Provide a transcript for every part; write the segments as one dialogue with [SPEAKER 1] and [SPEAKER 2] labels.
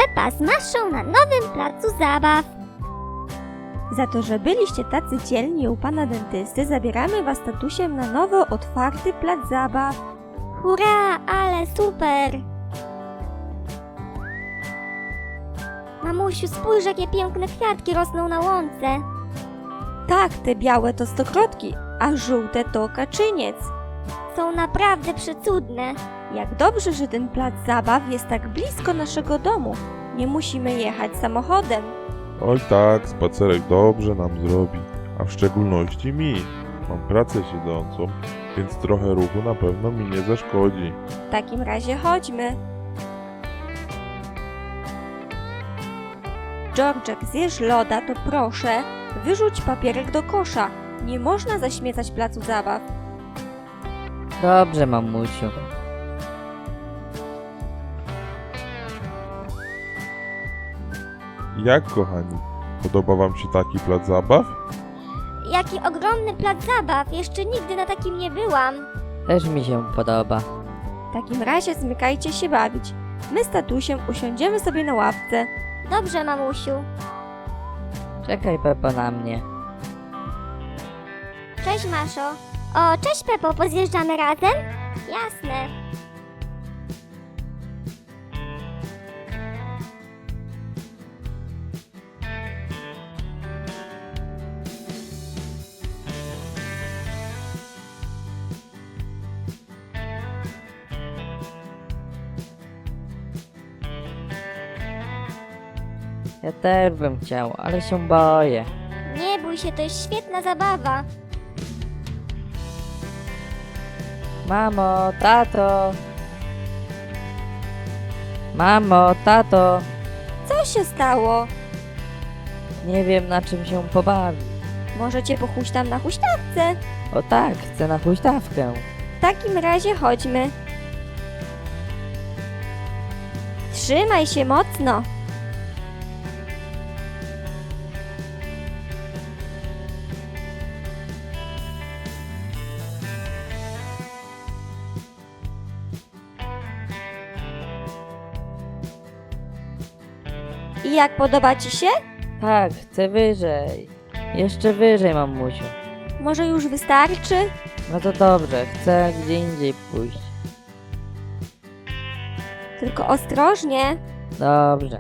[SPEAKER 1] Pepa z Maszą na nowym placu zabaw.
[SPEAKER 2] Za to, że byliście tacy dzielni u pana dentysty, zabieramy was tatusiem na nowo otwarty plac zabaw.
[SPEAKER 1] Hurra, ale super! Mamusiu, spójrz, jakie piękne kwiatki rosną na łące.
[SPEAKER 2] Tak, te białe to stokrotki, a żółte to kaczyniec.
[SPEAKER 1] Są naprawdę przecudne.
[SPEAKER 2] Jak dobrze, że ten plac zabaw jest tak blisko naszego domu. Nie musimy jechać samochodem.
[SPEAKER 3] Oj tak, spacerek dobrze nam zrobi, a w szczególności mi. Mam pracę siedzącą, więc trochę ruchu na pewno mi nie zaszkodzi.
[SPEAKER 2] W takim razie chodźmy. Georgek, zjesz loda, to proszę, wyrzuć papierek do kosza. Nie można zaśmiecać placu zabaw.
[SPEAKER 4] Dobrze, mamusiu.
[SPEAKER 3] Jak kochani, podoba wam się taki plac zabaw?
[SPEAKER 1] Jaki ogromny plac zabaw, jeszcze nigdy na takim nie byłam.
[SPEAKER 4] Też mi się podoba.
[SPEAKER 2] W takim razie zmykajcie się bawić. My z tatusiem usiądziemy sobie na ławce.
[SPEAKER 1] Dobrze, mamusiu.
[SPEAKER 4] Czekaj, Pepo, na mnie.
[SPEAKER 1] Cześć, Maszo. O, cześć, Pepo, pozjeżdżamy razem? Jasne.
[SPEAKER 4] Ja też bym chciał, ale się boję.
[SPEAKER 1] Nie bój się, to jest świetna zabawa.
[SPEAKER 4] Mamo, tato. Mamo, tato.
[SPEAKER 2] Co się stało?
[SPEAKER 4] Nie wiem, na czym się pobawić.
[SPEAKER 2] Możecie pochuśtam na huśtawce.
[SPEAKER 4] O tak, chcę na huśtawkę.
[SPEAKER 2] W takim razie chodźmy. Trzymaj się mocno. I jak podoba ci się?
[SPEAKER 4] Tak, chcę wyżej. Jeszcze wyżej, mamusiu.
[SPEAKER 2] Może już wystarczy?
[SPEAKER 4] No to dobrze, chcę gdzie indziej pójść.
[SPEAKER 2] Tylko ostrożnie.
[SPEAKER 4] Dobrze.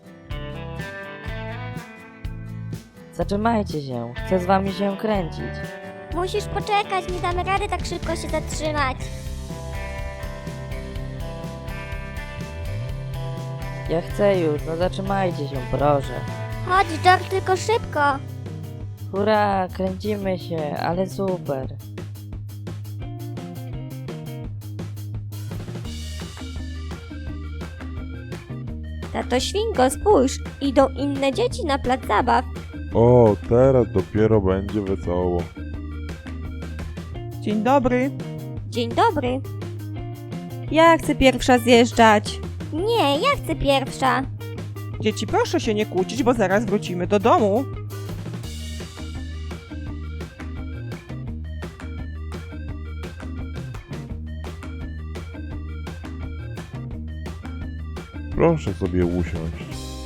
[SPEAKER 4] Zatrzymajcie się, chcę z wami się kręcić.
[SPEAKER 1] Musisz poczekać, nie damy rady tak szybko się zatrzymać.
[SPEAKER 4] Ja chcę już, no zatrzymajcie się, proszę.
[SPEAKER 1] Chodź, George, tylko szybko.
[SPEAKER 4] Hurra, kręcimy się, ale super.
[SPEAKER 2] Tato Świnko, spójrz, idą inne dzieci na plac zabaw.
[SPEAKER 3] O, teraz dopiero będzie wesoło.
[SPEAKER 5] Dzień dobry.
[SPEAKER 2] Dzień dobry. Ja chcę pierwsza zjeżdżać.
[SPEAKER 1] Nie, ja chcę pierwsza.
[SPEAKER 5] Dzieci, proszę się nie kłócić, bo zaraz wrócimy do domu.
[SPEAKER 3] Proszę sobie usiąść.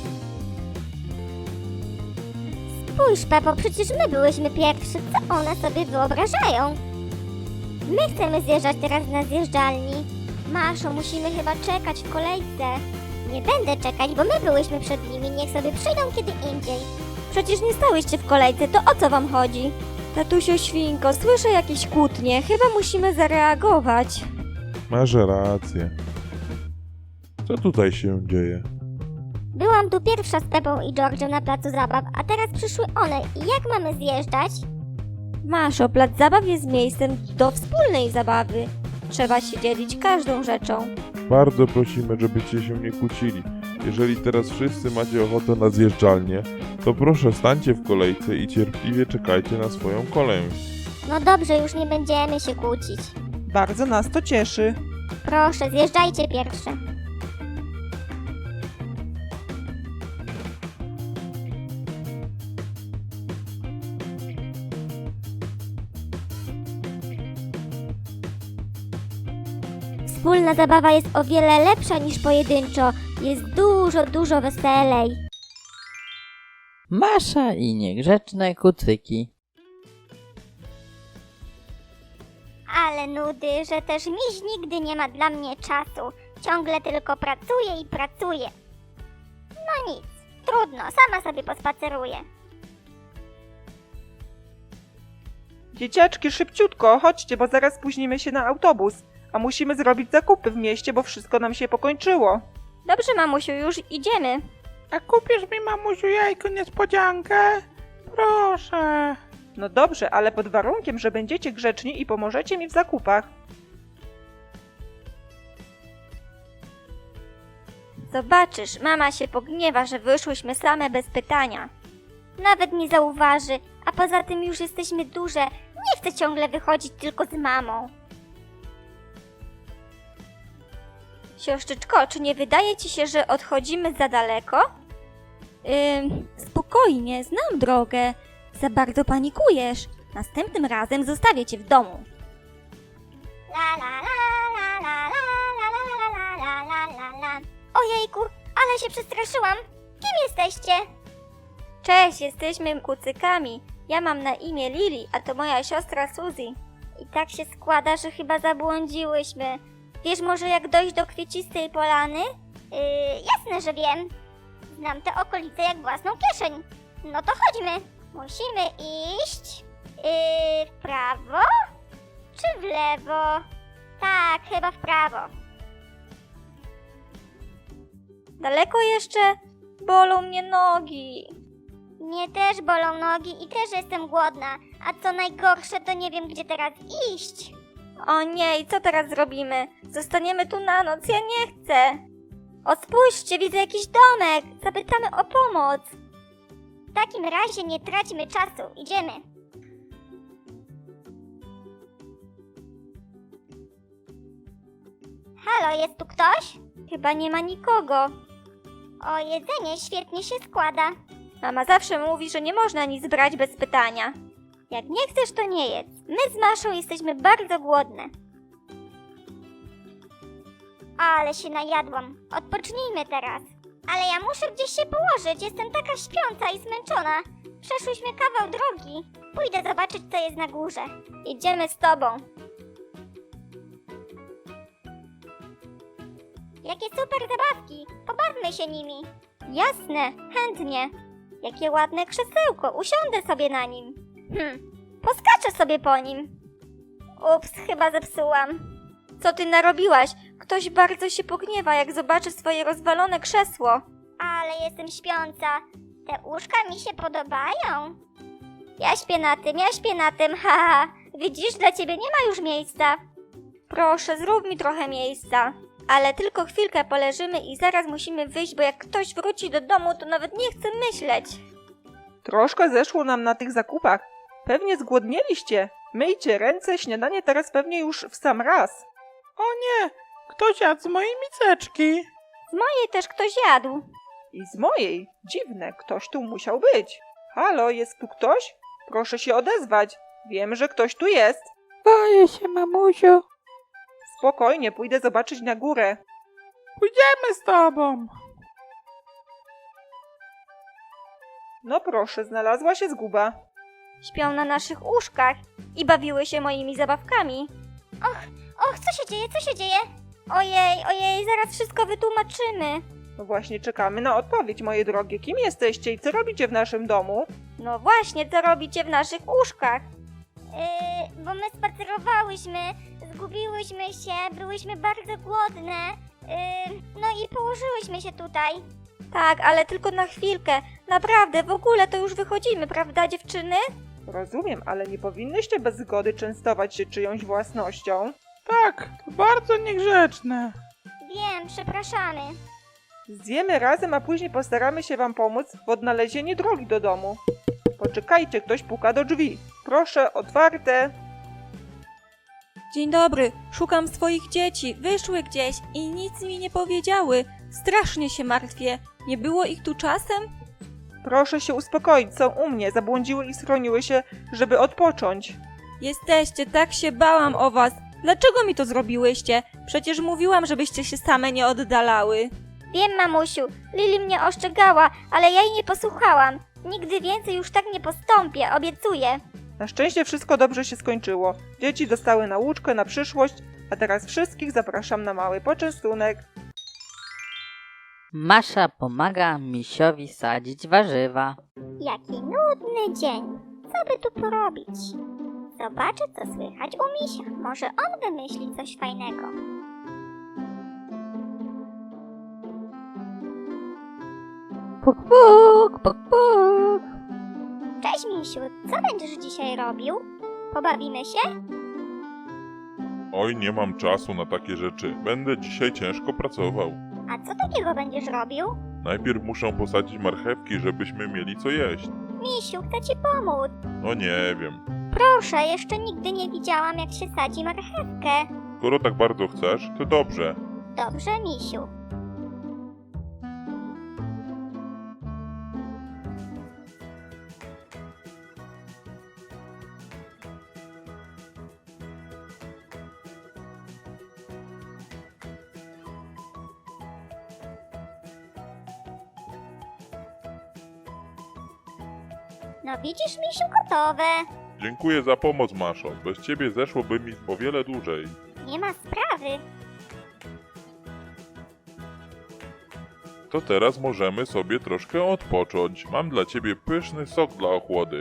[SPEAKER 1] Spójrz, Pepo, przecież my byłyśmy pierwsi. Co one sobie wyobrażają? My chcemy zjeżdżać teraz na zjeżdżalni. Maszo, musimy chyba czekać w kolejce. Nie będę czekać, bo my byłyśmy przed nimi. Niech sobie przyjdą kiedy indziej.
[SPEAKER 2] Przecież nie stałyście w kolejce, to o co wam chodzi? Tatusiu Świnko, słyszę jakieś kłótnie, chyba musimy zareagować.
[SPEAKER 3] Masz rację. Co tutaj się dzieje?
[SPEAKER 1] Byłam tu pierwsza z Pepą i George'em na placu zabaw, a teraz przyszły one. I jak mamy zjeżdżać?
[SPEAKER 2] Maszo, plac zabaw jest miejscem do wspólnej zabawy. Trzeba się dzielić każdą rzeczą.
[SPEAKER 3] Bardzo prosimy, żebyście się nie kłócili. Jeżeli teraz wszyscy macie ochotę na zjeżdżalnię, to proszę stańcie w kolejce i cierpliwie czekajcie na swoją kolej.
[SPEAKER 1] No dobrze, już nie będziemy się kłócić.
[SPEAKER 5] Bardzo nas to cieszy.
[SPEAKER 1] Proszę, zjeżdżajcie pierwsze. Wspólna zabawa jest o wiele lepsza niż pojedynczo. Jest dużo, dużo weselej.
[SPEAKER 4] Masza i niegrzeczne kucyki.
[SPEAKER 1] Ale nudy, że też miś nigdy nie ma dla mnie czasu. Ciągle tylko pracuje i pracuje. No nic, trudno, sama sobie pospaceruję.
[SPEAKER 5] Dzieciaczki, szybciutko, chodźcie, bo zaraz spóźnimy się na autobus. A musimy zrobić zakupy w mieście, bo wszystko nam się pokończyło.
[SPEAKER 2] Dobrze, mamusiu, już idziemy.
[SPEAKER 6] A kupisz mi, mamusiu, jajko niespodziankę? Proszę.
[SPEAKER 5] No dobrze, ale pod warunkiem, że będziecie grzeczni i pomożecie mi w zakupach.
[SPEAKER 2] Zobaczysz, mama się pogniewa, że wyszłyśmy same bez pytania.
[SPEAKER 1] Nawet nie zauważy, a poza tym już jesteśmy duże. Nie chcę ciągle wychodzić tylko z mamą.
[SPEAKER 2] Siostrzyczko, czy nie wydaje ci się, że odchodzimy za daleko? Spokojnie, znam drogę. Za bardzo panikujesz. Następnym razem zostawię cię w domu.
[SPEAKER 1] La la la la la la la la la la la la. Ojejku, ale się przestraszyłam. Kim jesteście?
[SPEAKER 2] Cześć, jesteśmy kucykami. Ja mam na imię Lili, a to moja siostra Suzy.
[SPEAKER 1] I tak się składa, że chyba zabłądziłyśmy. Wiesz może jak dojść do Kwiecistej Polany? Jasne, że wiem. Znam te okolice jak własną kieszeń. No to chodźmy. Musimy iść w prawo czy w lewo? Tak, chyba w prawo.
[SPEAKER 2] Daleko jeszcze? Bolą mnie nogi.
[SPEAKER 1] Mnie też bolą nogi i też jestem głodna. A co najgorsze, to nie wiem, gdzie teraz iść.
[SPEAKER 2] O nie, i co teraz zrobimy? Zostaniemy tu na noc, ja nie chcę. O, spójrzcie, widzę jakiś domek. Zapytamy o pomoc.
[SPEAKER 1] W takim razie nie traćmy czasu. Idziemy. Halo, jest tu ktoś?
[SPEAKER 2] Chyba nie ma nikogo.
[SPEAKER 1] O, jedzenie świetnie się składa.
[SPEAKER 2] Mama zawsze mówi, że nie można nic brać bez pytania.
[SPEAKER 1] Jak nie chcesz, to nie jedz. My z Maszą jesteśmy bardzo głodne. Ale się najadłam. Odpocznijmy teraz. Ale ja muszę gdzieś się położyć. Jestem taka śpiąca i zmęczona. Przeszłyśmy kawał drogi. Pójdę zobaczyć, co jest na górze.
[SPEAKER 2] Idziemy z tobą.
[SPEAKER 1] Jakie super zabawki. Pobawmy się nimi.
[SPEAKER 2] Jasne, chętnie. Jakie ładne krzesełko, usiądę sobie na nim. Poskaczę sobie po nim. Ups, chyba zepsułam. Co ty narobiłaś? Ktoś bardzo się pogniewa, jak zobaczy swoje rozwalone krzesło.
[SPEAKER 1] Ale jestem śpiąca. Te łóżka mi się podobają.
[SPEAKER 2] Ja śpię na tym, haha. Widzisz, dla ciebie nie ma już miejsca. Proszę, zrób mi trochę miejsca. Ale tylko chwilkę poleżymy i zaraz musimy wyjść, bo jak ktoś wróci do domu, to nawet nie chce myśleć.
[SPEAKER 5] Troszkę zeszło nam na tych zakupach. Pewnie zgłodnieliście. Myjcie ręce, śniadanie teraz pewnie już w sam raz.
[SPEAKER 6] O nie, ktoś jadł z mojej miseczki.
[SPEAKER 2] Z mojej też ktoś jadł.
[SPEAKER 5] I z mojej. Dziwne, ktoś tu musiał być. Halo, jest tu ktoś? Proszę się odezwać. Wiem, że ktoś tu jest.
[SPEAKER 6] Boję się, mamusiu.
[SPEAKER 5] Spokojnie, pójdę zobaczyć na górę.
[SPEAKER 6] Pójdziemy z tobą.
[SPEAKER 5] No proszę, znalazła się zguba.
[SPEAKER 2] Śpią na naszych łóżkach i bawiły się moimi zabawkami.
[SPEAKER 1] Och, co się dzieje, co się dzieje?
[SPEAKER 2] Ojej, zaraz wszystko wytłumaczymy.
[SPEAKER 5] No właśnie, czekamy na odpowiedź, moje drogie. Kim jesteście i co robicie w naszym domu?
[SPEAKER 2] No właśnie, co robicie w naszych łóżkach?
[SPEAKER 1] Bo my spacerowałyśmy, zgubiłyśmy się, byłyśmy bardzo głodne. No i położyłyśmy się tutaj.
[SPEAKER 2] Tak, ale tylko na chwilkę. Naprawdę, w ogóle to już wychodzimy, prawda dziewczyny?
[SPEAKER 5] Rozumiem, ale nie powinnyście bez zgody częstować się czyjąś własnością.
[SPEAKER 6] Tak, to bardzo niegrzeczne.
[SPEAKER 1] Wiem, przepraszamy.
[SPEAKER 5] Zjemy razem, a później postaramy się wam pomóc w odnalezieniu drogi do domu. Poczekajcie, ktoś puka do drzwi. Proszę, otwarte.
[SPEAKER 7] Dzień dobry, szukam swoich dzieci. Wyszły gdzieś i nic mi nie powiedziały. Strasznie się martwię. Nie było ich tu czasem?
[SPEAKER 5] Proszę się uspokoić, są u mnie. Zabłądziły i schroniły się, żeby odpocząć.
[SPEAKER 7] Jesteście, tak się bałam o was. Dlaczego mi to zrobiłyście? Przecież mówiłam, żebyście się same nie oddalały.
[SPEAKER 2] Wiem, mamusiu, Lili mnie ostrzegała, ale ja jej nie posłuchałam. Nigdy więcej już tak nie postąpię, obiecuję.
[SPEAKER 5] Na szczęście wszystko dobrze się skończyło. Dzieci dostały nauczkę na przyszłość, a teraz wszystkich zapraszam na mały poczęstunek.
[SPEAKER 4] Masza pomaga misiowi sadzić warzywa.
[SPEAKER 1] Jaki nudny dzień. Co by tu porobić? Zobaczę, co słychać u misia. Może on wymyśli coś fajnego.
[SPEAKER 4] Puk, puk, puk, puk.
[SPEAKER 1] Cześć, misiu. Co będziesz dzisiaj robił? Pobawimy się?
[SPEAKER 3] Oj, nie mam czasu na takie rzeczy. Będę dzisiaj ciężko pracował.
[SPEAKER 1] A co takiego będziesz robił?
[SPEAKER 3] Najpierw muszę posadzić marchewki, żebyśmy mieli co jeść.
[SPEAKER 1] Misiu, chcę ci pomóc.
[SPEAKER 3] No nie wiem.
[SPEAKER 1] Proszę, jeszcze nigdy nie widziałam, jak się sadzi marchewkę.
[SPEAKER 3] Skoro tak bardzo chcesz, to dobrze.
[SPEAKER 1] Dobrze, misiu. No widzisz, misiu, gotowe.
[SPEAKER 3] Dziękuję za pomoc, Maszo. Bez ciebie zeszłoby mi o wiele dłużej.
[SPEAKER 1] Nie ma sprawy.
[SPEAKER 3] To teraz możemy sobie troszkę odpocząć. Mam dla ciebie pyszny sok dla ochłody.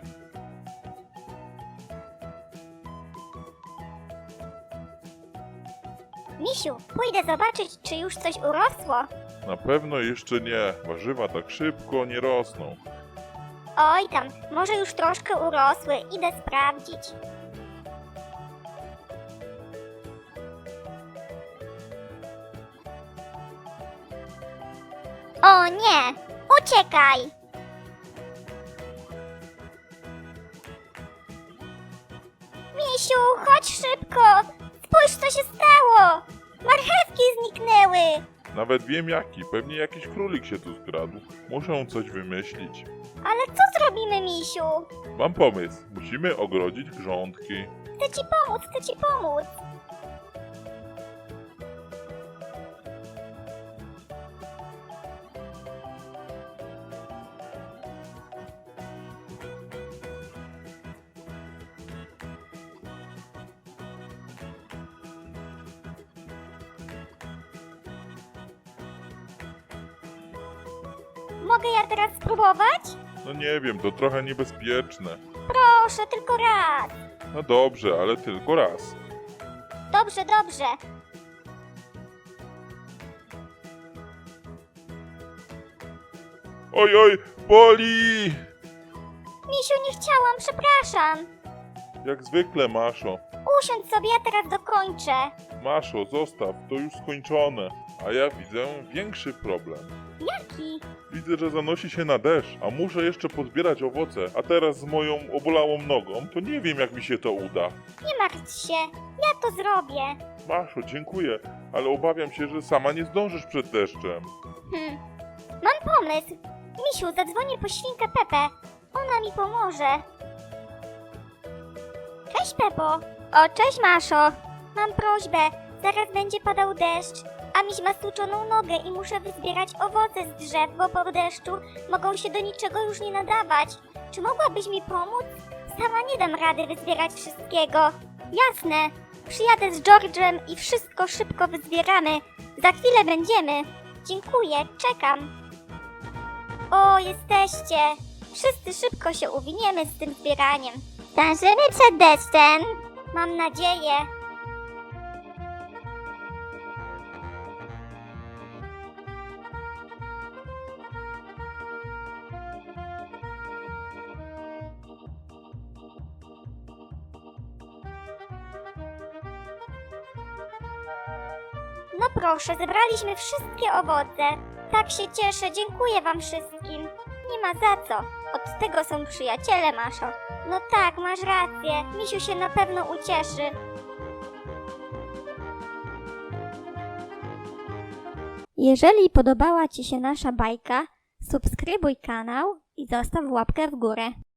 [SPEAKER 1] Misiu, pójdę zobaczyć, czy już coś urosło.
[SPEAKER 3] Na pewno jeszcze nie. Warzywa tak szybko nie rosną.
[SPEAKER 1] Oj tam, może już troszkę urosły. Idę sprawdzić. O nie! Uciekaj! Misiu, chodź szybko! Spójrz, co się stało! Marchewki zniknęły!
[SPEAKER 3] Nawet wiem jaki. Pewnie jakiś królik się tu skradł. Muszę coś wymyślić.
[SPEAKER 1] Ale co zrobimy, misiu?
[SPEAKER 3] Mam pomysł. Musimy ogrodzić grządki.
[SPEAKER 1] Chcę ci pomóc, chcę ci pomóc! Mogę ja teraz spróbować?
[SPEAKER 3] No nie wiem, to trochę niebezpieczne.
[SPEAKER 1] Proszę, tylko raz.
[SPEAKER 3] No dobrze, ale tylko raz.
[SPEAKER 1] Dobrze, dobrze.
[SPEAKER 3] Oj, oj, boli!
[SPEAKER 1] Misiu, nie chciałam, przepraszam.
[SPEAKER 3] Jak zwykle, Maszo.
[SPEAKER 1] Usiądź sobie, ja teraz dokończę.
[SPEAKER 3] Maszo, zostaw, to już skończone. A ja widzę większy problem.
[SPEAKER 1] Jaki?
[SPEAKER 3] Widzę, że zanosi się na deszcz, a muszę jeszcze pozbierać owoce, a teraz z moją obolałą nogą, to nie wiem jak mi się to uda.
[SPEAKER 1] Nie martw się, ja to zrobię.
[SPEAKER 3] Maszo, dziękuję, ale obawiam się, że sama nie zdążysz przed deszczem.
[SPEAKER 1] Mam pomysł. Misiu, zadzwonię po świnkę Pepę. Ona mi pomoże. Cześć, Pepo. O, cześć, Maszo. Mam prośbę. Zaraz będzie padał deszcz, a miś ma stłuczoną nogę i muszę wyzbierać owoce z drzew, bo po deszczu mogą się do niczego już nie nadawać. Czy mogłabyś mi pomóc? Sama nie dam rady wyzbierać wszystkiego. Jasne. Przyjadę z George'em i wszystko szybko wyzbieramy. Za chwilę będziemy. Dziękuję, czekam. O, jesteście! Wszyscy szybko się uwiniemy z tym zbieraniem. Zdążymy przed deszczem? Mam nadzieję. No proszę, zebraliśmy wszystkie owoce. Tak się cieszę, dziękuję wam wszystkim. Nie ma za co. Od tego są przyjaciele, Maszo. No tak, masz rację. Misiu się na pewno ucieszy. Jeżeli podobała ci się nasza bajka, subskrybuj kanał i zostaw łapkę w górę.